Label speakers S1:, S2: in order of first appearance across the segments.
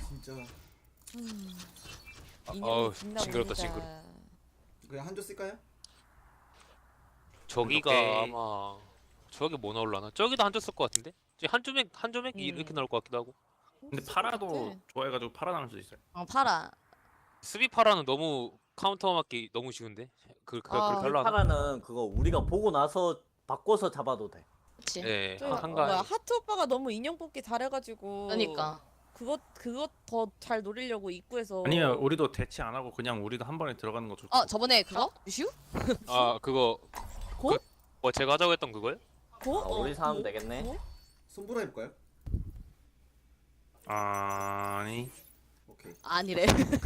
S1: 진짜.
S2: 어우 징그럽다 징그러.
S1: 그냥 한조 쓸까요?
S2: 저기가
S3: 오케이.
S2: 아마 저기 뭐 나올라나? 저기도 한조 쓸 것 같은데? 지금 한조맥 이렇게 나올 것 같기도 하고.
S3: 근데 파라도 좋아해가지고 파라 나올 수 있어요.
S4: 파라.
S2: 스비 파라는 너무 카운터 맞기 너무 쉬운데? 그렇게 하려나?
S5: 파라는 그거 우리가 보고 나서 바꿔서 잡아도 돼.
S4: 그치.
S2: 예,
S6: 뭐야
S2: 한가.
S6: 하트 오빠가 너무 인형 뽑기 잘해가지고
S4: 그러니까.
S6: 그것 더 잘 노리려고 입구에서
S3: 아니면 우리도 대치 안 하고 그냥 우리도 한 번에 들어가는 거 좋고.
S4: 저번에 그거? 슈?
S2: 아 그거
S6: 고?
S2: 뭐 제가 하자고 했던 그거요?
S6: 고?
S5: 우리 사면 되겠네.
S6: 고?
S1: 손보라 해볼까요?
S3: 아니.
S1: 오케이.
S4: 아니래.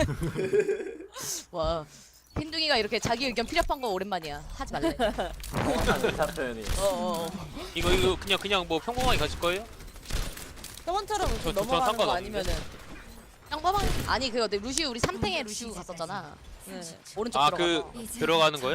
S4: 와. 흰둥이가 이렇게 자기 의견 피력한 거 오랜만이야. 하지 말래.
S5: 정확한 의사 표현이.
S2: 이거 그냥 뭐 평범하게 가실 거예요?
S6: 저번처럼 이렇게
S2: 저
S6: 넘어가는 거
S2: 상관없는데?
S6: 아니면은
S4: 양바방 아니 그거 내 루시우 우리 3탱에 루시우 갔었잖아.
S6: 네.
S4: 오른쪽
S2: 아
S4: 들어가서.
S2: 그 들어가는 거요?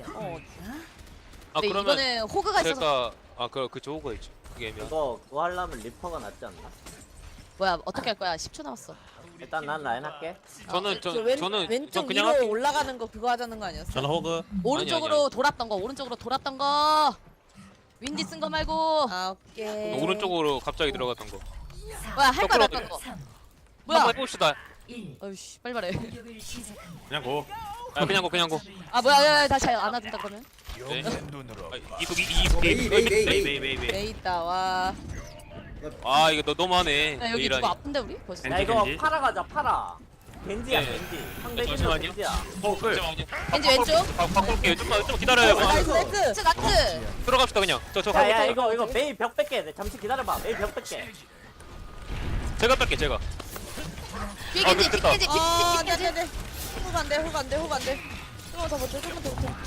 S4: 근데
S2: 아 그러면
S4: 이거는 호그가 있어서
S2: 제가 그 좋은 있죠. 그게 애매한.
S5: 그거 하려면 리퍼가 낫지 않나?
S4: 뭐야 어떻게 할 거야? 10초 남았어.
S5: 일단 난 라인 할게.
S2: 저는
S6: 왼쪽
S2: 그냥
S6: 위로
S2: 할게요.
S6: 올라가는 거 그거 하자는 거 아니었어?
S3: 저는 호그.
S4: 오른쪽으로 돌았던 거. 오른쪽으로 돌았던 거. 윈디 쓴 거 말고.
S6: 아 오케이.
S2: 오른쪽으로 갑자기 들어갔던 거.
S4: 뭐야 할 거
S2: 거꾸로
S4: 났던 거. 뭐야?
S2: 한번 해봅시다.
S4: 어이씨 빨리 말해.
S3: 그냥 고.
S2: 아 그냥 고.
S4: 아 뭐야 야, 다시 안 하든다 그러면.
S2: 네. 이속
S1: 메이
S3: 베이베이베이.
S6: 내 있다 와.
S2: 아 이거 너무하네.
S4: 야, 여기
S2: 메이라니.
S4: 누구 아픈데 우리? 벌써.
S5: 야 이거 파라 가자 파라. 겐지야
S2: 네.
S5: 겐지. 상대 겐지
S2: 잠시만요.
S5: 겐지야.
S2: 잠시만요.
S4: 겐지 왼쪽.
S2: 바꿀게요. 좀 기다려요.
S6: 나이스 나이스.
S4: 나이스 나이스.
S2: 들어갑시다 그냥. 저
S5: 야야 이거 메이 벽 뺄게. 잠시 기다려봐. 메이 벽 뺄게.
S2: 제가 뺄게 제가.
S4: 뒤에
S2: 아,
S4: 겐지
S2: 됐다.
S4: 뒤에 겐지
S6: 아
S4: 뒤에 겐지.
S6: 네네네. 훅 안돼 훅 안돼 훅 안돼. 조금만 더 버텨 조금만 더 버텨.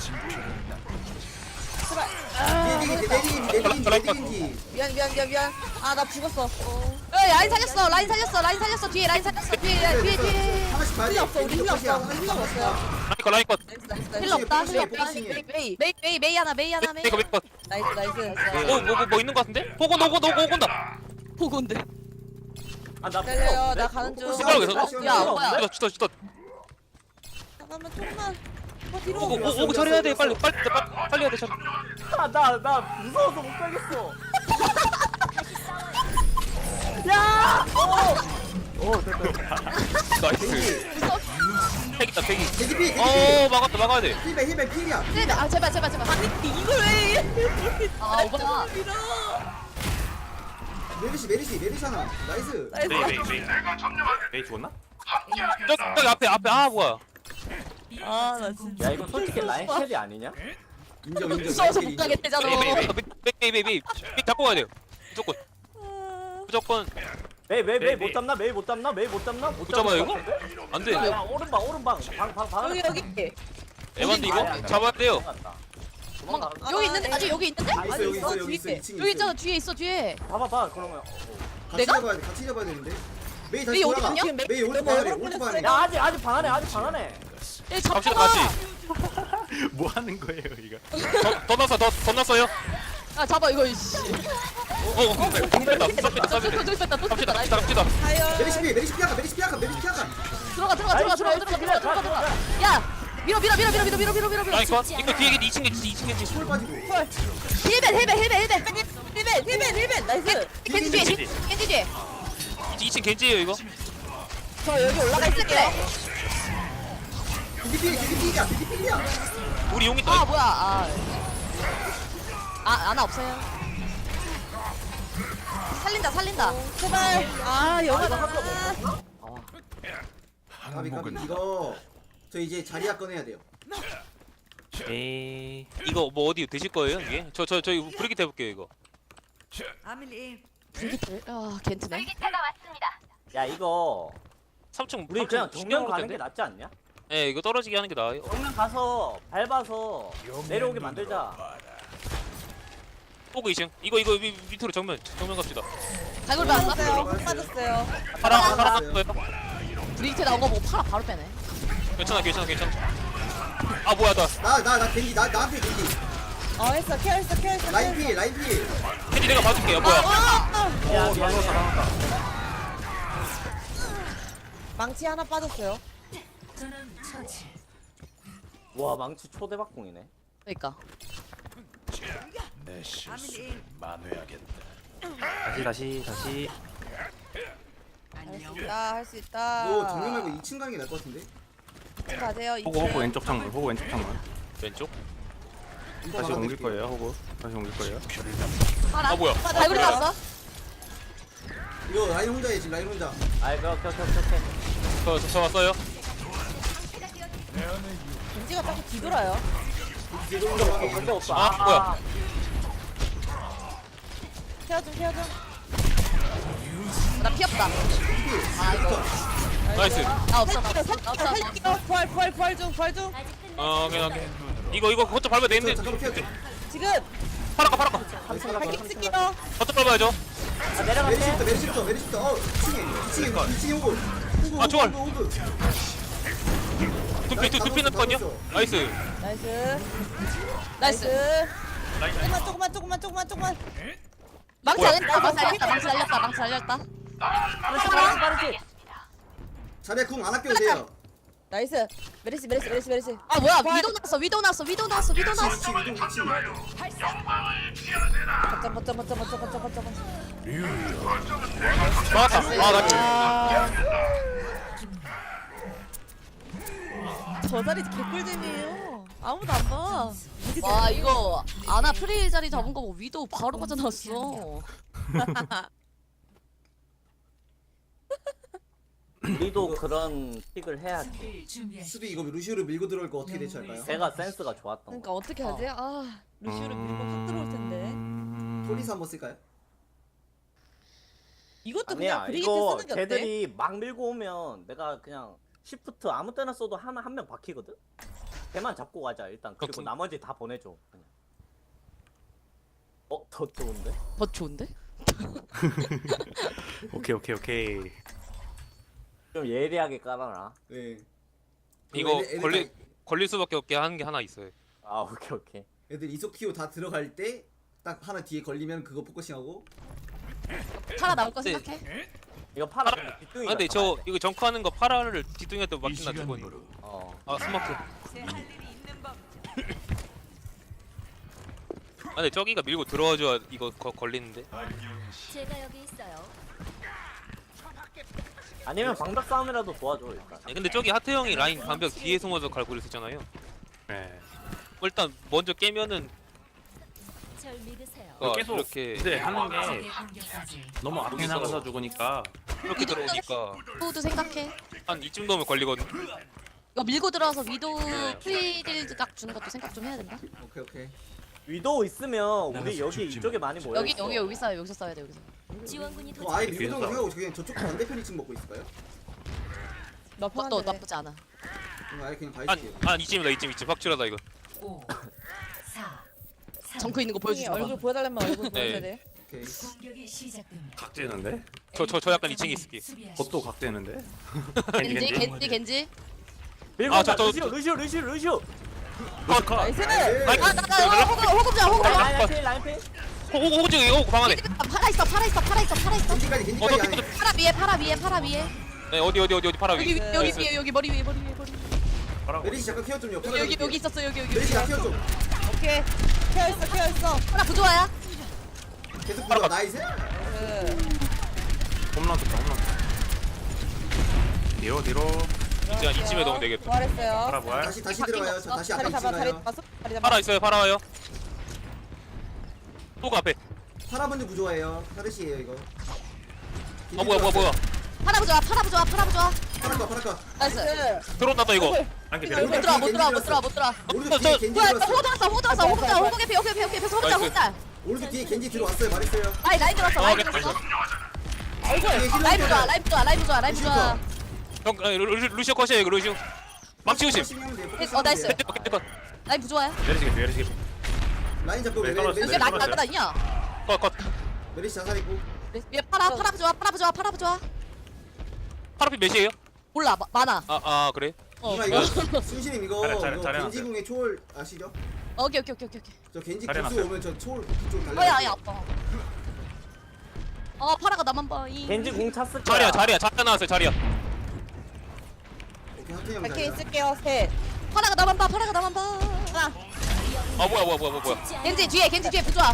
S6: 제발.
S1: 메디인지.
S6: 미안. 아 나 죽었어.
S4: 라인 살렸어 뒤에 라인 살렸어 뒤에
S1: 하나씩 봐야 돼.
S6: 힐러 없어 우리 힐러 없어 우리 힐러 없어요.
S2: 라인 컷.
S6: 나이스.
S4: 힐러 없다
S1: 포지션이에요,
S4: 힐러 없다
S1: 포지션이에요.
S4: 메이 하나 메이
S2: 컷.
S6: 나이스.
S2: 뭐 있는 거 같은데? 호건 온다.
S4: 보건데
S5: 아나
S6: 기다려요 나 가는 중.
S4: 야 뭐야
S2: 주다.
S6: 잠깐만 조금만. 뒤로.
S2: 오고 처리해야 돼. 빨리 해야 돼.
S5: 나 무서워서 못 가겠어.
S2: 나이스. 팩이다 팩이.
S1: 대기피.
S2: 막아야 돼.
S1: 힐백 필이야.
S4: 아 제발
S6: 이걸 왜?
S4: 아 오빠
S1: 메리시 하나. 나이스.
S3: 베이 죽었나?
S2: 저기 앞에 뭐야?
S6: 아나 진짜.
S5: 야 이거 솔직히 라인 캐리 아니냐?
S1: 인정.
S4: 무서워서 못 가겠대잖아
S2: 메이 잡고 가야 돼요. 무조건
S5: 메이
S3: 메이.
S5: 못 잡나? 메이 못 잡나? 못
S2: 잡아요, 이거?
S5: 잡을 것 같은데?
S2: 안 돼.
S5: 야, 오른방 방
S6: 여기.
S2: 에반데 이거 잡아야 돼요.
S5: 도망가.
S4: 여기 있는데 아직 여기 있는데?
S1: 여기 있어. 2층.
S4: 여기 있잖아 뒤에 있어 뒤에
S5: 봐봐 그러면.
S4: 내가?
S1: 같이 잡아야 되는데. 메이
S4: 메이
S1: 다시
S4: 어디
S1: 돌아가.
S4: 갔냐?
S1: 메이 오른쪽 봐야 돼. 오른쪽 봐야 돼.
S5: 야 아직 방 안에 아직 방 안에.
S4: 얘
S2: 갑시다
S4: 잡잖아
S2: 같이.
S3: 뭐 하는 거예요 이거?
S2: 더 났어요.
S4: 야 잡아 이거 이씨
S2: 뺐다.
S4: 저기 뺐다 또 뺐다 나이스
S2: 갑시다.
S6: 가요.
S1: 메리시 피하가.
S4: 들어가 야 밀어
S2: 라인 컷. 이거 뒤에 2층 겐지.
S1: 볼 빠지고.
S4: 힐벤
S6: 나이스.
S4: 겐지 뒤에
S2: 2층 겐지예요 이거.
S6: 저 여기 올라가 있을게.
S1: 대기피야.
S2: 우리 용이
S4: 아 뭐야 아나 없어요 살린다
S6: 제발. 아 영화다.
S1: 가비 이거 저 이제 자리야 꺼내야 돼요.
S3: 에이.
S2: 이거 뭐 어디 드실 거예요 이게? 저희 브리깃 해볼게요 이거.
S4: 불기틀 아 겐트네
S5: 야 이거
S2: 3층
S5: 우리 그냥 정면 가는 게 낫지 않냐?
S2: 네 이거 떨어지게 하는 게 나아요.
S5: 정면 가서 밟아서 내려오게 만들자.
S2: 포그 2층. 이거 밑으로 정면 갑시다.
S4: 갈굴 봤어?
S6: 빠졌어요.
S2: 파랑 거예요.
S4: 브리기트 나온 거 보고 팔아 바로 빼네
S2: 괜찮아. 아 뭐야
S1: 나 겐지 나한테 겐지.
S6: 했어 케어했어.
S1: 라인 필.
S2: 캔디 내가 봐줄게요. 뭐야?
S5: 야 미안해.
S6: 망치 하나 빠졌어요.
S5: 와 망치 초대박공이네.
S4: 그러니까.
S3: 다시.
S6: 할 수 있다.
S1: 너 정면 말고 2층 가는 게 나을 것 같은데?
S6: 가세요.
S3: 호구 왼쪽 창문. 호구 왼쪽 창문.
S2: 왼쪽?
S3: 다시 옮길 거예요. 호구. 다시 옮길 거예요.
S2: 아 뭐야?
S4: 발굴이 났어?
S1: 이거 라인 혼자해 지금 라인 혼자.
S5: 아이 오케이.
S2: 저 왔어요.
S6: 겐지가 자꾸 뒤돌아요.
S1: 뒤로 들어가게.
S5: 관계 없어.
S2: 아, 뭐야?
S6: 케어 좀.
S4: 나 피었다. 아 이거.
S2: 나이스.
S4: 나 없어. 나 없어.
S6: 살릴게요. 부활 중.
S2: 오케이. 이거 거점 밟아야
S1: 저
S2: 되는데.
S1: 잠깐만 피할게.
S6: 지금
S2: 파라가.
S6: 발킹 쓸게요.
S2: 거점 밟아야죠.
S5: 아, 내려갈게.
S1: 메리시부터. 2층에 오고.
S2: 아, 좋아.
S1: 오고.
S2: 두피는 거든요. 나이스.
S4: 나이스.
S6: 조금만.
S4: 망치 살렸다. 망치 살렸다.
S5: 빠르지.
S1: 자리에 궁안 아껴도 돼요.
S6: 나이스. 메리시.
S4: 아 뭐야? 위도 나왔어.
S1: 위치.
S6: 거점.
S2: 막았다. 아 나이스.
S6: 저 자리 개꿀잼이에요. 아무도 안 봐.
S4: 와 이거 아나 프릴 자리 잡은 거 보고 위도 바로 빠져나왔어.
S5: 우리도 그런 픽을 해야지.
S1: 수비 이거 루시오를 밀고 들어올 거 어떻게 대처할까요?
S5: 제가 센스가 좋았던
S6: 그러니까
S5: 거.
S6: 어떻게 하지? 아 루시오를 밀고 확 들어올 텐데.
S1: 폴리스 한번 쓸까요?
S6: 이것도
S5: 아니야
S6: 그냥 브리기트
S5: 이거
S6: 쓰는 게 어때?
S5: 걔들이 막 밀고 오면 내가 그냥 시프트 아무 때나 써도 한 명 박히거든? 걔만 잡고 가자 일단. 그리고
S2: 그렇군.
S5: 나머지 다 보내줘 그냥. 더 좋은데?
S4: 더 좋은데?
S3: 오케이.
S5: 좀 예리하게 깔아놔.
S1: 네.
S2: 이거
S1: 애들
S2: 걸릴 수밖에 없게 하는 게 하나 있어요.
S5: 아 오케이.
S1: 애들 이소키오 다 들어갈 때 딱 하나 뒤에 걸리면 그거 포커싱하고.
S4: 파라 나올 거
S2: 네.
S4: 생각해?
S5: 이거 팔아.
S2: 아 근데 저 이거 정크하는 거 파라를 뒤뚱이한테 맡긴다 두 번. 아 스마트. 아 근데 저기가 밀고 들어와줘야 이거 걸리는데.
S7: 제가 여기 있어요.
S5: 아니면 방벽 싸움이라도 도와줘 일단.
S2: 근데 저기 하태 형이 라인 반벽 뒤에 숨어서 갈고리 쓰잖아요.
S3: 네.
S2: 일단 먼저 깨면은
S7: 절 믿으세요.
S3: 계속
S2: 이렇게
S3: 근데 하는 게 너무 앞에 나가서 죽으니까
S2: 이렇게 들어오니까
S4: 위도도 생각해.
S2: 한 이쯤 되면 걸리거든.
S4: 이거 밀고 들어와서 위도 프리딜 각 주는 것도 생각 좀 해야 된다.
S1: 오케이.
S5: 위도우 있으면 우리 여기 이쪽에 많이 모여.
S4: 여기서 써야 돼 여기서.
S7: 지원군이
S1: 아예
S7: 도착.
S1: 밀고 들어가고 그냥 저쪽 반대편 2층 먹고 있을까요?
S4: 그것도 나쁘지 않아.
S1: 그럼 아예 그냥 봐줄게요.
S2: 한 이쯤이다 이쯤 확실하다 이거.
S4: 정크 있는 거 보여주지 마.
S6: 얼굴 보여달라면 얼굴
S2: 네.
S6: 보여줘야 돼.
S1: 오케이.
S3: 각재는데?
S2: 저 약간 2층에 있을게.
S3: 겉도 각재는데?
S4: 겐지.
S5: 밀고
S2: 아,
S5: 온다.
S2: 저-
S5: 루시오.
S6: 나이스.
S1: 네.
S4: 호흡
S5: 라인필.
S2: 호구 저기 호구 방 안에.
S4: 파라 있어.
S1: 겐지까지 안에.
S4: 파라 위에.
S2: 네 어디 파라 위.
S4: 여기 머리 위에.
S1: 메리시 잠깐 케어 좀요.
S4: 여기 있었어 여기.
S1: 메리시 나 케어 좀.
S6: 오케이. 케어 있어.
S4: 파라 부조화야?
S1: 계속 불러. 나이스.
S3: 홈런 쳤다. 뒤로
S2: 이제 한 이쯤에 넣으면 되겠다.
S6: 부활했어요.
S3: 파라 부활.
S1: 다시 들어가요. 저 다시 앞에
S6: 자리 잡아.
S1: 2층
S6: 자리
S1: 가요.
S6: 잡았어. 자리 잡아.
S2: 파라 있어요 파라 와요. 호구 앞에.
S1: 파라 먼저 구조해요. 파르시에요 이거.
S2: 뭐야.
S4: 파라 부조화.
S1: 파라카.
S4: 나이스.
S2: 들어온다 또 이거.
S3: 한개
S1: 못
S3: 내려.
S1: 들어.
S4: 못 들어와.
S1: 오른쪽 뒤에 겐지
S4: 뭐야?
S1: 들어왔어.
S4: 호 들어왔어. 호구 개피. 혼자.
S1: 오른쪽 뒤에 겐지 들어왔어요. 말했어요.
S4: 라인 들어왔어. 라인 부조화.
S2: 형 루시오 컷이에요 이거 루시오. 망치 조심.
S4: 나이스.
S2: 컷.
S4: 라인 부조화야?
S3: 내리시게.
S1: 라인 잡고
S3: 네,
S1: 메리시
S4: 여기 라인 날거 아니야?
S2: 컷.
S1: 메리시 자살 있고.
S4: 위에 파라 부조화.
S2: 파라피 몇이에요?
S4: 몰라 많아.
S2: 아 그래?
S1: 누나 이거 순신님 이거
S3: 잘해,
S1: 겐지궁의 초월 아시죠?
S4: 오케이.
S1: 저 겐지
S3: 잘해
S1: 구수
S3: 놨어요.
S1: 오면 저 초월 그쪽 달려.
S4: 아야 아파. 파라가 나만 봐.
S5: 겐지 공 찼을 거야.
S2: 자리야 나왔어요 자리야.
S1: 오케이 하트 형
S6: 발키리
S1: 자리야.
S6: 쓸게요. 셋.
S4: 파라가 나만 봐. 파라가 나만 봐.
S6: 하나.
S2: 아 뭐야.
S4: 겐지 뒤에 부조아.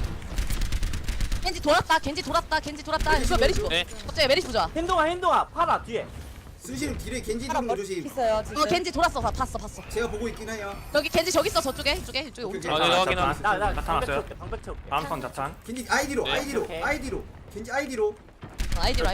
S4: 겐지 돌았다. 겐지 돌았다. 이거 메리시 보.
S2: 네.
S4: 갑자기 메리시 보자.
S5: 행동아 파라 뒤에.
S1: 순실 딜에 겐지
S6: 하나
S1: 좀
S6: 뭐
S1: 조심.
S6: 있어요 지금.
S4: 겐지 돌았어. 봤어.
S1: 제가 보고 있긴 해요.
S4: 여기 겐지 저기 있어. 저쪽에 오른쪽.
S1: 오케이.
S2: 아, 네, 확인하.
S5: 나
S3: 나타났어요.
S5: 방백 채울게. 방백 채울게.
S3: 다음 턴 자탄.
S1: 겐지 아이디로
S2: 네.
S1: 아이디로
S5: 오케이.
S1: 아이디로 겐지 아이디로
S4: 아이디로.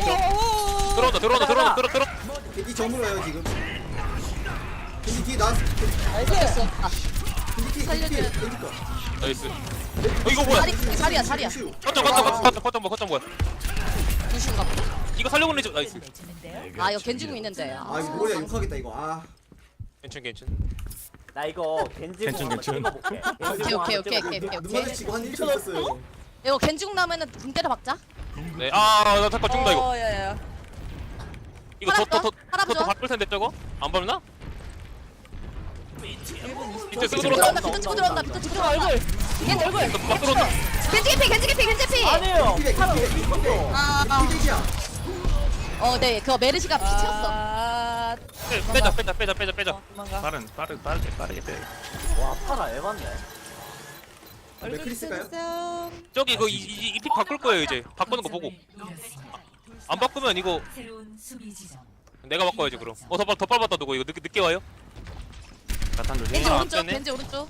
S2: 들어온다.
S1: 겐지 정으로 와요 지금. 겐지 뒤에 나왔어.
S6: 나이스.
S4: 됐어. 아,
S1: 겐지 뒤에
S4: 살려줘요.
S1: 겐지 거.
S2: 나이스. 이거 뭐야?
S4: 자리야.
S1: 루시우.
S2: 거점 뭐야?
S4: 루시인가 보다.
S2: 이거 살려고 내죠. 나이스.
S4: 아 이거 겐지궁 있는데.
S1: 아 이거 뭐야 욕하겠다 이거. 아
S2: 괜찮.
S5: 나 이거 겐지
S3: 괜찮,
S5: 한번
S3: 괜찮.
S5: 찍어볼게.
S4: 오케이.
S1: 눈 마주치고 한 1초 있었어요.
S4: 이거 겐지궁 나면은 붕 때려 박자.
S2: 네. 나 잠깐 죽는다 이거.
S6: 야야야.
S2: 이거
S4: 팔아
S2: 더
S4: 보죠.
S2: 바꿀 텐데 저거? 안 밟나? 밑에 쓰고
S4: 들어온다.
S2: 들어온다.
S4: 비트 치고 들어온다. 비트 치고 들어온다.
S6: 얼굴.
S4: 겐지 얼굴.
S2: 막 들어온다.
S4: 겐지 개피.
S5: 아니에요.
S1: 피백
S5: 파라
S1: 피백 피백.
S4: 아.
S1: 피백이야.
S4: 네. 그거 메르시가 피 채웠어.
S6: 아.
S2: 빼자.
S6: 도망가.
S3: 빠르게 빼.
S5: 와 파라 에반데.
S6: 얼굴
S1: 맥크리 쓸까요?
S6: 주세요.
S2: 저기 이거 이픽 바꿀 거예요 이제. 바꾸는 거 보고. 안 바꾸면 이거 내가 바꿔야지 그럼. 더 빨랐다 누구 이거 늦게 와요?
S3: 자탄 조심.
S4: 겐지
S2: 아,
S4: 오른쪽.
S2: 앞전에?
S4: 겐지 오른쪽.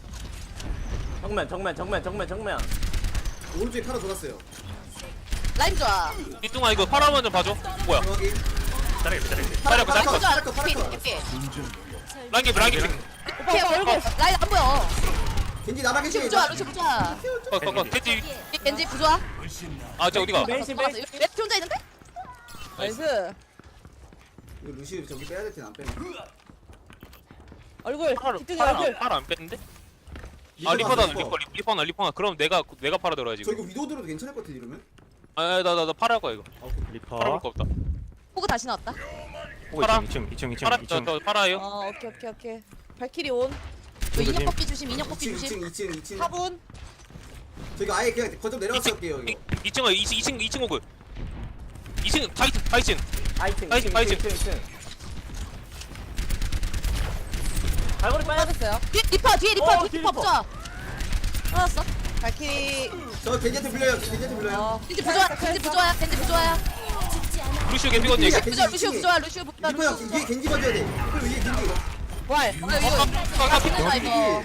S5: 정면.
S1: 오른쪽에 팔아 돌았어요.
S4: 라인 좋아.
S2: 이뚱아 이거 파라만 좀 봐줘. 뭐야?
S1: 여기
S3: 자르게.
S2: 파라
S1: 파라
S2: 거
S1: 컷.
S4: 좋아. 피.
S2: 랑기
S4: 오케이 얼굴. 라인 안 보여.
S1: 겐지 나랑
S4: 루시
S1: 겐지.
S4: 부좋아.
S2: 겐지.
S4: 겐지 부좋아.
S2: 저 어디가?
S5: 메이시
S4: 레트 혼자 있는데?
S6: 나이스.
S1: 이거 루시우 저기 빼야 될 텐데 안 빼네.
S6: 얼굴. 뒤쪽에 얼굴.
S2: 파라 안 뺐는데? 아 리퍼나. 그럼 내가 파라 들어야지.
S1: 저 이거 위도 들어도 괜찮을 것 같아 이러면.
S2: 나 파라 할 거야 이거.
S1: 아, 오케이.
S2: 파라 볼
S3: 리퍼.
S2: 거 없다.
S4: 호그 다시 나왔다.
S3: 오,
S2: 파라.
S3: 2층.
S2: 저 파라예요.
S6: 오케이. 발키리 온.
S4: 저
S3: 조심.
S4: 인형 뽑기 조심. 인형 뽑기
S1: 2층
S4: 조심.
S1: 2층.
S6: 4분.
S1: 저기 아예 그냥 거점 내려가서 할게요 이거.
S2: 2층 오글. 2층 다이친.
S5: 아이층.
S2: 파이팅.
S5: 발걸이 빨리.
S6: 빠졌어요.
S4: 뒤에 리퍼 부좋아. 알았어.
S6: 발키리.
S1: 저 겐지한테 불려요.
S4: 겐지 부좋아야.
S2: 루시오 개피거든요. 이거.
S4: 루시오 부좋아.
S1: 리퍼 형 위에 겐지 봐줘야 돼. 리퍼 위에 겐지.
S6: 왈.
S4: 이거 괜찮아 이거.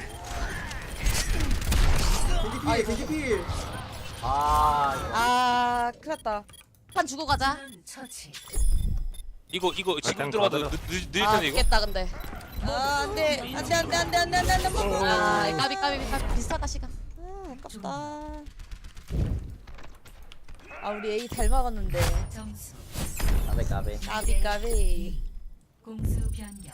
S1: 겐지 필.
S6: 아, 큰일났다.
S4: 판 주고 가자.
S2: 이거 지금
S3: 일단
S2: 들어가도
S3: 가자.
S2: 늦을 텐데 이거.
S4: 죽겠다 근데.
S6: 아, 안 돼.
S4: 아 까비 비슷하다 시간.
S6: 아깝다. 아, 우리 A 잘 막았는데.
S7: 점수
S5: 까베.
S6: 까비.
S7: 공수 변경.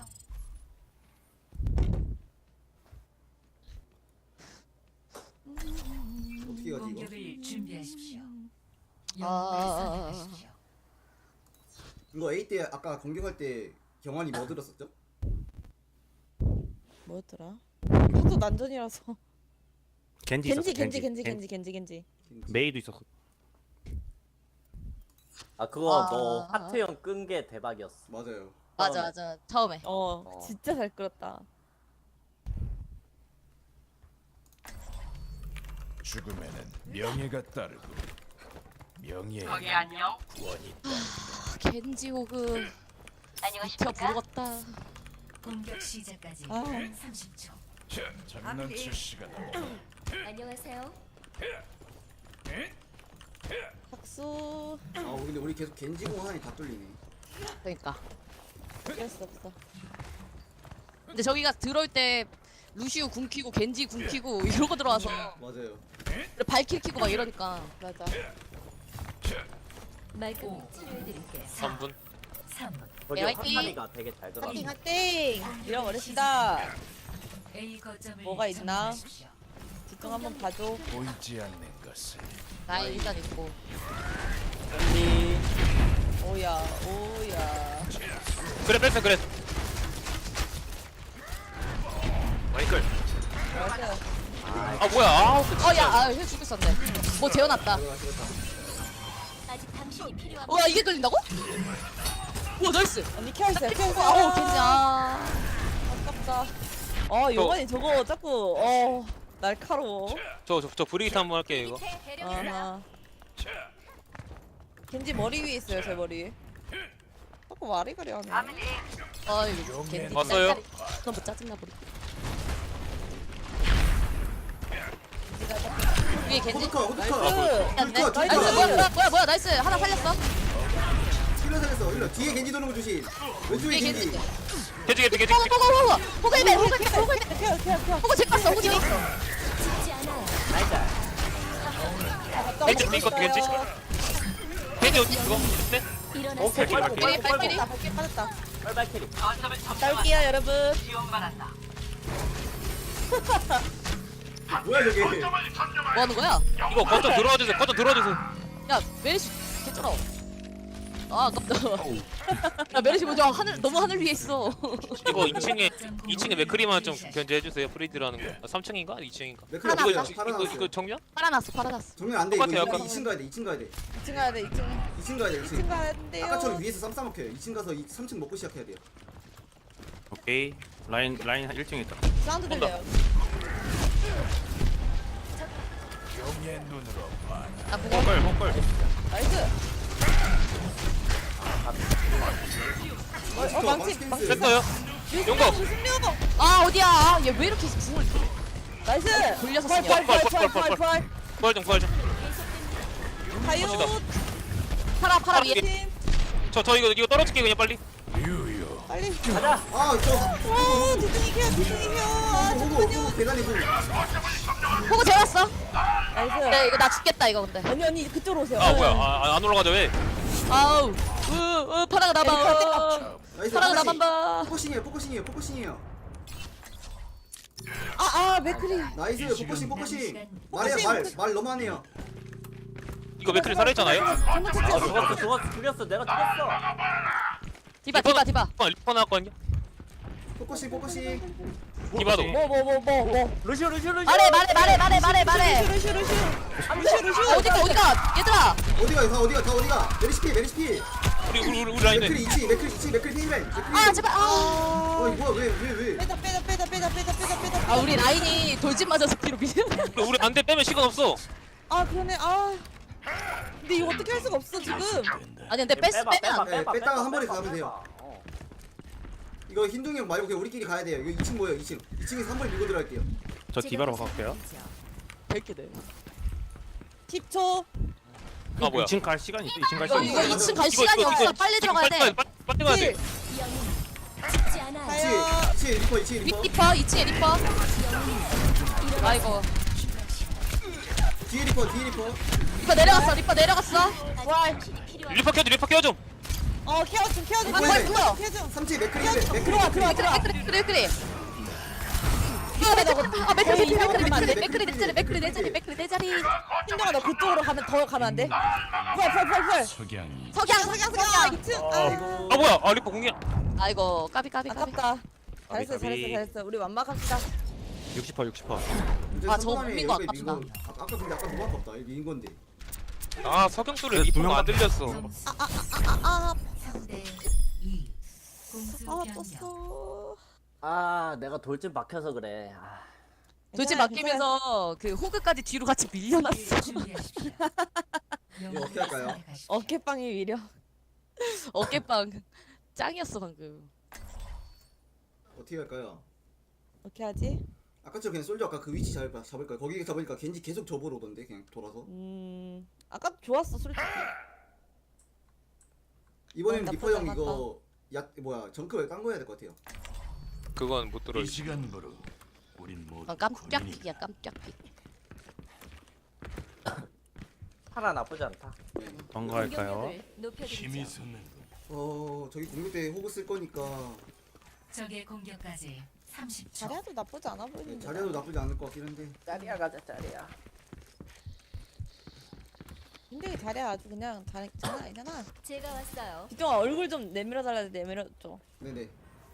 S1: 어떻게 가지 이거?
S7: 공격을 준비하십시오.
S4: 아.
S1: 이거 A 때 아까 공격할 때 경환이 뭐 들었었죠?
S6: 뭐였더라? 그것도 난전이라서.
S3: 겐지 있었어.
S6: 겐지.
S3: 메이도 있었어.
S5: 아 그거
S4: 아.
S5: 너 하트형 끈 게 대박이었어.
S1: 맞아요.
S4: 맞아 처음에.
S6: 진짜 잘 끌었다.
S8: 죽음에는 명예가 따르고 명예에
S4: 겐지 호그. 미쳐 부르겠다.
S7: 공격 시작까지
S6: 아.
S7: 30초.
S8: 자, 장난칠 시간이다.
S7: 안녕하세요.
S6: 박수.
S1: 근데 우리 계속 겐지공 하니 다 뚫리네.
S4: 그러니까.
S6: 어쩔 수 없어.
S4: 근데 저기가 들어올 때 루시우 궁 키고 겐지 궁 키고 이러고 들어와서
S1: 맞아요.
S4: 발킬 키고 막 이러니까.
S6: 맞아.
S7: 말끔히 치료해드릴게요.
S2: 3분.
S7: 3.
S5: 저기
S4: 화이팅!
S5: 화탄이가 되게 잘 들어.
S6: 화이팅! 밀어버립시다.
S7: A 거점을
S6: 뭐가 있나?
S7: 점령하십시오.
S6: 뒷강 한번 봐줘.
S8: 보이지 않는 것을
S4: 나이 일단 있고.
S5: 겐지.
S6: 오야.
S2: 그래.
S3: 마이클.
S6: 맞아.
S2: 아 뭐야?
S4: 힐 죽겠었네. 뭐 재워놨다.
S7: 아직 당신이 필요한
S4: 와 이게 걸린다고? 오 나이스.
S6: 언니 케어했어요 케어했어요.
S4: 아우 겐지 아.
S6: 아깝다. 요번에 저거 자꾸 날카로워.
S2: 저 브리기트 한번 할게요 이거.
S6: 아하. 겐지 머리 위에 있어요 제 머리 위에. 자꾸 와리가리 하네.
S4: 아 이거 겐지.
S2: 왔어요?
S4: 너무 짜증나 버리. 위에 겐지.
S1: 호두커 호두커
S6: 나이스.
S1: 호두커
S4: 나이스 뭐야 나이스 하나 살렸어.
S1: 힐러 살렸어 힐러 뒤에 겐지 도는 거 조심 왼쪽에
S4: 위에
S1: 겐지
S4: 겐지.
S2: 겐지.
S4: 호그 힐맨 호그
S6: 케어
S4: 호그 제 깠어 호그 제 깠어.
S7: 죽지 않아요.
S5: 나이스.
S2: 겐지 이거 겐지. 겐지 어디 이거? 네?
S7: 일어나세요.
S5: 오케이
S4: 발키리, 발키리.
S6: 발키리 빠졌다.
S5: 빨빨키리.
S6: 딸게요 여러분.
S1: 뭐야 저게
S4: 뭐 하는 거야?
S2: 이거 거점 들어와 주세요. 거점 들어와 주세요.
S4: 야 메리시 개쩔어. 아 아깝다. 야 메리시 먼저 하늘 너무 하늘 위에 있어.
S2: 이거 2층에 맥크리만 좀 견제해 주세요. 프리드라는 거. 아, 3층인가? 2층인가?
S1: 맥크리
S4: 하나,
S2: 이거
S1: 없어요
S2: 이거
S1: 살아났어요
S2: 이거 정면?
S4: 팔아놨어.
S1: 정면 안돼 이거
S2: 똑같아요, 아까.
S1: 2층 가야 돼 2층 가야 돼
S6: 2층 가야 돼 2층.
S1: 2층 가야 돼
S6: 2층 가야 돼요.
S1: 아까처럼 위에서 쌈 싸먹혀요 2층 가서 3층 먹고 시작해야 돼요
S3: 오케이. 라인 1층에 있다.
S6: 사운드 들려요.
S8: 영의 눈으로 봐.
S4: 나 그냥
S3: 헛걸.
S6: 나이스.
S1: 망치
S6: 망치.
S2: 됐어요. 용검.
S6: 승려.
S4: 아 어디야? 얘 왜 이렇게 궁을
S6: 나이스.
S4: 돌려서 쓰냐?
S6: 펄.
S2: 부활 좀 부활 좀.
S6: 가요.
S4: 팔아 위에.
S6: 팀.
S2: 저 이거 떨어질게 그냥 빨리.
S8: 유유.
S6: 빨리.
S5: 가자.
S1: 아저
S6: 두둥이 케어. 아
S1: 호구 계단에 좀
S4: 호그 재웠어.
S6: 나이스.
S4: 네 이거 나 죽겠다 이거 근데.
S6: 언니 그쪽으로 오세요.
S2: 아 뭐야? 안 올라가죠 왜?
S4: 아우. 파라가 나봐.
S1: 나이스
S4: 파라가 나만 봐.
S1: 포커싱이에요
S6: 맥크리.
S1: 나이스 포커싱 말 너무하네요
S2: 이거 맥크리 살아있잖아요?
S5: 죽였어. 내가 죽였어.
S4: 디바.
S2: 리퍼 나왔거든요?
S1: 포커싱
S2: 디바도.
S6: 뭐.
S5: 루시오.
S4: 말해.
S6: 루슈.
S4: 어디가 얘들아.
S1: 어디가 메리시피
S2: 우리 라인에.
S1: 맥크리 2층 맥크리 힐맨
S4: 아 제발. 아.
S1: 어이 뭐야 왜
S6: 빼다.
S4: 아 우리 라인이 돌진 맞아서 뒤로 밀려.
S2: 우리 안돼 빼면 시간 없어.
S6: 아 그러네. 근데 이거 어떻게 할 수가 없어 지금.
S4: 아니 근데 빼면 안 돼.
S1: 네, 뺐다가 한 번에 가면 돼요. 이거 흰둥이 형 말고 그냥 우리끼리 가야 돼요 이거 2층 뭐예요 2층에서 한 번에 밀고 들어갈게요
S3: 저 디바로 갈게요.
S4: 100개
S6: 10초.
S2: 아 뭐야?
S3: 2층 갈 시간이 있어. 2층 갈
S4: 이거
S3: 시간 있어.
S4: 2층 갈 시간이 없어. 빨리 들어가야 돼.
S2: 빨리 가야 돼.
S7: 죽지 않아요.
S6: 가요.
S1: 2층에 리퍼
S4: 리퍼 2층에 리퍼. 아이고.
S1: 뒤에 리퍼
S4: 리퍼 내려갔어. 와.
S2: 리퍼 켜줘 좀.
S6: 케어 좀.
S1: 뭐야?
S6: 케어 좀.
S1: 3층에 맥크리
S6: 들어와.
S4: 그래. 맥크리 내 자리.
S6: 신정아 너 그쪽으로 더 가면 안 돼? 펄.
S8: 석양이
S4: 석양.
S6: 2층.
S2: 아 뭐야? 아 리퍼 공이야.
S4: 아이고 까비.
S6: 아깝다. 잘했어. 우리 완막합시다.
S3: 60%.
S4: 아, 저거 못 민거 아깝다.
S1: 아까 근데 아까 너무 아깝다 이거 민 건데
S2: 아 석영수를 리퍼가 안 들렸어.
S6: 아
S7: 3대 2. 공수 변경.
S6: 떴어.
S5: 내가 돌진 박혀서 그래.
S4: 돌진 맡기면서 그 호그까지 뒤로 같이 밀려났어.
S7: 준비하십시오.
S1: 이거 어떻게 할까요?
S6: 어깨빵이 위력.
S4: 어깨빵 짱이었어 방금.
S1: 어떻게 할까요?
S6: 어떻게 하지?
S1: 아까처럼 그냥 솔저 아까 그 위치 잡을까요? 거기 잡으니까 겐지 계속 접으러 오던데 그냥 돌아서
S6: 아까 좋았어 솔직히.
S1: 이번에는
S6: 나쁘지
S1: 리퍼 형
S6: 않았다.
S1: 이거 정크를 딴 거 해야 될 것 같아요
S2: 그건 못 들어.
S8: 이 시간부로 우린 모두
S4: 깜짝이야 깜짝이.
S5: 파라 나쁘지 않다.
S3: 뭔가 할까요?
S7: 공격력을 높여드리죠.
S8: 힘이 솟는
S1: 저기 공격 때 호그 쓸 거니까
S7: 적의 공격까지 30초.
S6: 자리아도 나쁘지 않아 보이는데.
S1: 자리도 나쁘지 않을 것 같긴 한데
S5: 짜리야 가자 짜리야.
S6: 근데 자리아 아주 그냥 장난 아니잖아.
S7: 제가 왔어요.
S6: 기종아 얼굴 좀 내밀어 달라 내밀어줘.
S1: 네네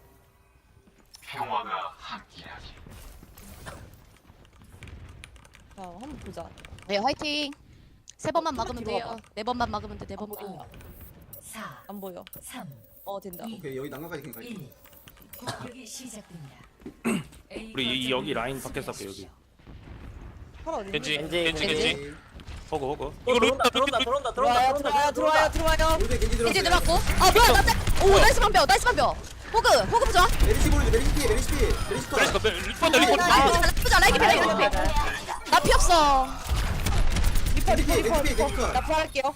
S6: 자 한번 보자.
S4: 네 화이팅. 3번만 막으면 돼요. 4번만 막으면 돼. 4번만.
S7: 4,
S6: 안 보여.
S7: 3,
S6: 된다.
S1: 오케이 여기 난간까지 그냥 갈게.
S7: 1. 공격이 시작됩니다.
S3: 우리 여기 라인 밖에서 할게 여기.
S6: 팔아 어디?
S2: 겐지
S5: 겐지,
S2: 겐지 겐지
S3: 호그 호그.
S5: 또
S2: 이거
S5: 들어온다
S2: 룰
S5: 들어온다 들어온다
S6: 들어와요
S5: 들어온다
S6: 들어와요 들어와요.
S1: 우리 겐지
S4: 겐지
S1: 들어왔어요.
S4: 들어갔고. 아 뭐야 오 나이스 반뼈 나이스 반뼈. 호그 부자.
S1: 메리시 보여줘. 메리시 피해. 메리시 피해. 메리시 컷.
S2: 리퍼다 리퍼
S4: 라이프 부자 라이프 나 피 없어.
S6: 리퍼 리퍼
S1: 겐지
S6: 리퍼
S1: 피해.
S6: 리퍼.
S1: 겐지 컷.
S6: 나 부활할게요.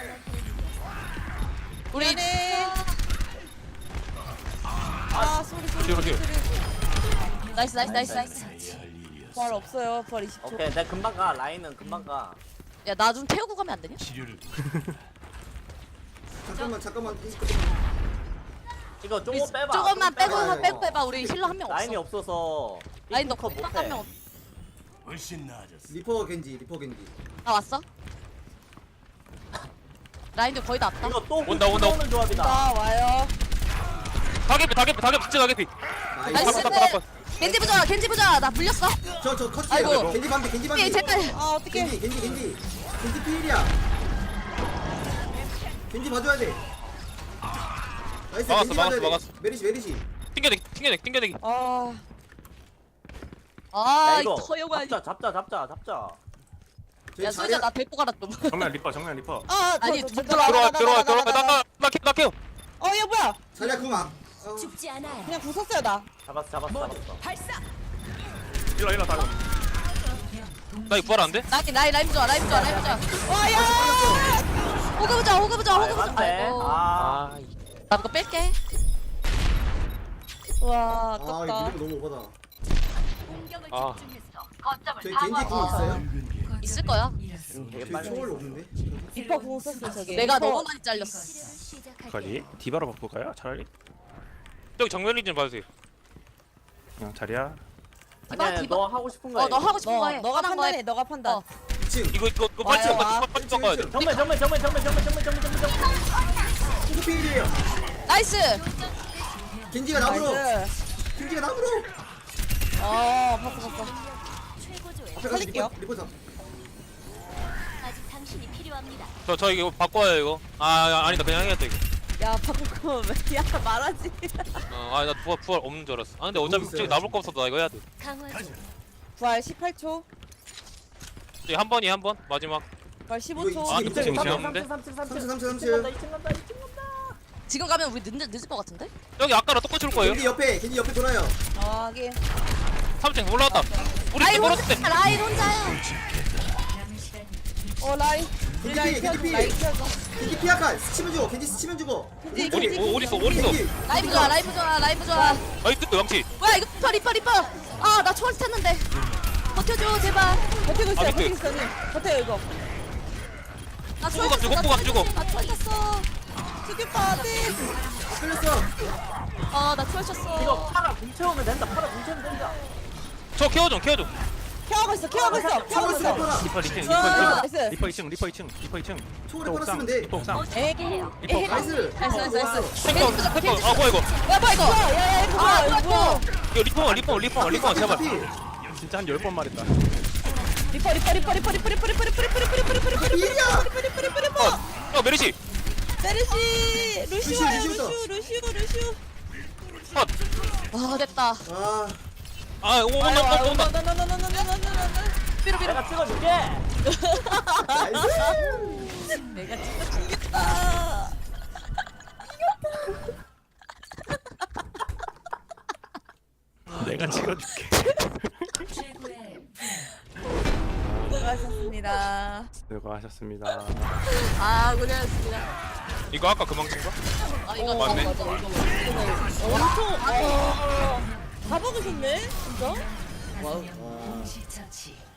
S4: 우리
S6: 네. 아 쏘리.
S2: 뒤로.
S4: 나이스.
S6: 부활 없어요. 부활 20초.
S5: 오케이 내가 금방 가 라인은 금방 가
S4: 야 나 좀 태우고 가면 안 되냐?
S8: 치료를
S1: 잠깐만.
S5: 이거 조금 빼봐
S4: 조금만
S5: 좀
S4: 빼고 빼봐. 우리 힐러 한 명
S5: 라인이
S4: 없어.
S5: 없어서
S4: 라인도
S5: 컷 못해
S4: 한 명.
S8: 훨씬 나아졌어.
S1: 리퍼 겐지.
S4: 나 왔어. 라인도 거의 다 왔다.
S5: 이거 또
S2: 온다.
S5: 오는 조합이다
S6: 나 와요.
S2: 가게피 진짜 가게피
S4: 나이스. 겐지 부자. 나 물렸어.
S1: 저 컷이에요.
S4: 아이고.
S1: 겐지 반대.
S4: 예, 제발.
S6: 아 어떡해.
S1: 겐지 피일이야. 겐지 봐줘야 돼. 나이스.
S2: 막았어,
S1: 겐지 봐줘야 돼.
S2: 막았어.
S1: 메리시.
S2: 튕겨내기
S6: 아
S4: 아
S5: 야
S4: 이거
S5: 이거
S4: 허용하니.
S5: 잡자
S1: 저희
S4: 야 소희자 나 데리고 가라 좀.
S3: 정면 리퍼.
S4: 아니,
S2: 들어와 나케요
S6: 어얘 뭐야?
S1: 자리야 그만.
S7: 죽지 않아요.
S6: 그냥 부쉈어요 나.
S5: 잡았어
S3: 일로 다고.
S2: 나 이거 부활 안 돼?
S4: 라인 부자.
S6: 와야.
S4: 호그 부자.
S5: 맞네
S4: 아이고.
S5: 아
S4: 나 이거 뺄게.
S6: 와
S1: 아 이거
S6: 아깝다.
S1: 너무 오바다.
S2: 아
S1: 저희 겐지 궁 있어요?
S4: 있을 거야.
S5: 되게
S1: 저희
S5: 빨리
S1: 초월 없는데?
S6: 리퍼 궁 썼어 저기.
S4: 내가
S6: 리퍼.
S4: 너무 많이 잘렸어.
S3: 가지. 디바로 바꿀까요? 차라리.
S2: 저기 정면이 좀 봐주세요
S3: 그냥 자리야.
S5: 아니야
S4: 디바.
S5: 너 하고 싶은 거 해
S4: 너 하고 싶은 거 해.
S6: 너가
S4: 하는 거 해.
S6: 판단해. 너가 판단.
S4: 어.
S1: 2층.
S2: 이거 빨리
S6: 와요, 와.
S2: 빨리 가야 돼
S5: 정면
S1: 겐지 피일이에요.
S4: 나이스.
S1: 겐지가 나무로.
S6: 나이스.
S1: 겐지가 나무로.
S6: 봤어.
S1: 앞에 가서
S6: 살릴게요.
S1: 리퍼 잡.
S7: 아직 당신이 필요합니다.
S2: 저 이거 바꿔요 이거 아니다 그냥 해야겠다 이거
S6: 야 바꾸고 야 말하지.
S2: 나 부활 없는 줄 알았어 근데 어차피
S1: 있어요.
S2: 저기 남을 거 없어서 나 이거 해야 돼
S7: 강화 중.
S6: 부활 18초.
S2: 저기 한 번이 한 번 마지막
S6: 부활
S1: 이거
S6: 15초.
S2: 아,
S5: 2층
S2: 이층
S5: 3층 간다
S4: 지금 가면 우리 늦을 것 같은데?
S2: 여기 아까랑 똑같이 올 거예요
S1: 겐지 옆에 돌아요.
S6: 하긴.
S2: 3층 올라왔다 우리
S4: 라인
S2: 팀
S4: 혼자.
S2: 걸었을 때
S4: 라인 혼자야.
S7: 남은 시간
S6: 라인.
S1: 겐지
S6: 라인
S1: 피,
S6: 펴줘.
S1: 겐지 피.
S6: 라인 펴줘.
S1: 겐지 피아카 스치면 주고. 겐지 스치면 주고.
S2: 어딨어
S1: 겐지.
S4: 라이브 좋아.
S2: 아이 뜯어 양치
S4: 뭐야 이거 리퍼. 아 나 초월 탔는데. 버텨줘 제발.
S6: 버티고 있어요.
S2: 아, 밑에.
S6: 버티고 있어. 버텨요 이거.
S4: 나 초월
S2: 호구가
S4: 탔어.
S2: 주고, 호구가 주고.
S4: 나 초월 탔어.
S6: 죽였다. 네.
S1: 끌렸어.
S4: 나 초월 쳤어.
S5: 이거 파라 궁 채우면 된다
S2: 저 케어 좀
S6: 케어하고 있어. 케어하고 있어.
S1: 초월 쓰면 팔아.
S3: 리퍼 2층.
S6: 나이스.
S3: 리퍼 2층.
S1: 초월에 팔았으면 돼.
S3: 리퍼 옥상.
S6: 에이.
S1: 나이스.
S4: 나이스.
S2: 아 뭐야 이거
S4: 뭐야 이거.
S6: 야야 이거 봐. 이거.
S2: 이거 리퍼 제발
S3: 진짜 한 10번 말했다.
S6: 리퍼.
S1: 피일이야.
S2: 메리시
S6: 메르시. 루시오 와요.
S1: 루시오부터.
S6: 루시오.
S4: 아 됐다.
S1: 아
S2: 온다
S5: 내가 찍어줄게
S1: 나이스.
S6: 내가 진짜 죽겠다.
S3: 내가 찍어줄게.
S7: 최고의
S6: 수고하셨습니다.
S3: 수고하셨습니다.
S4: 아 고생하셨습니다.
S2: 이거 아까 그 망친가?
S4: 아 이거
S2: 맞네.
S4: 맞아.
S6: 엄청 다 먹으셨네 진짜.
S7: 공시 처치.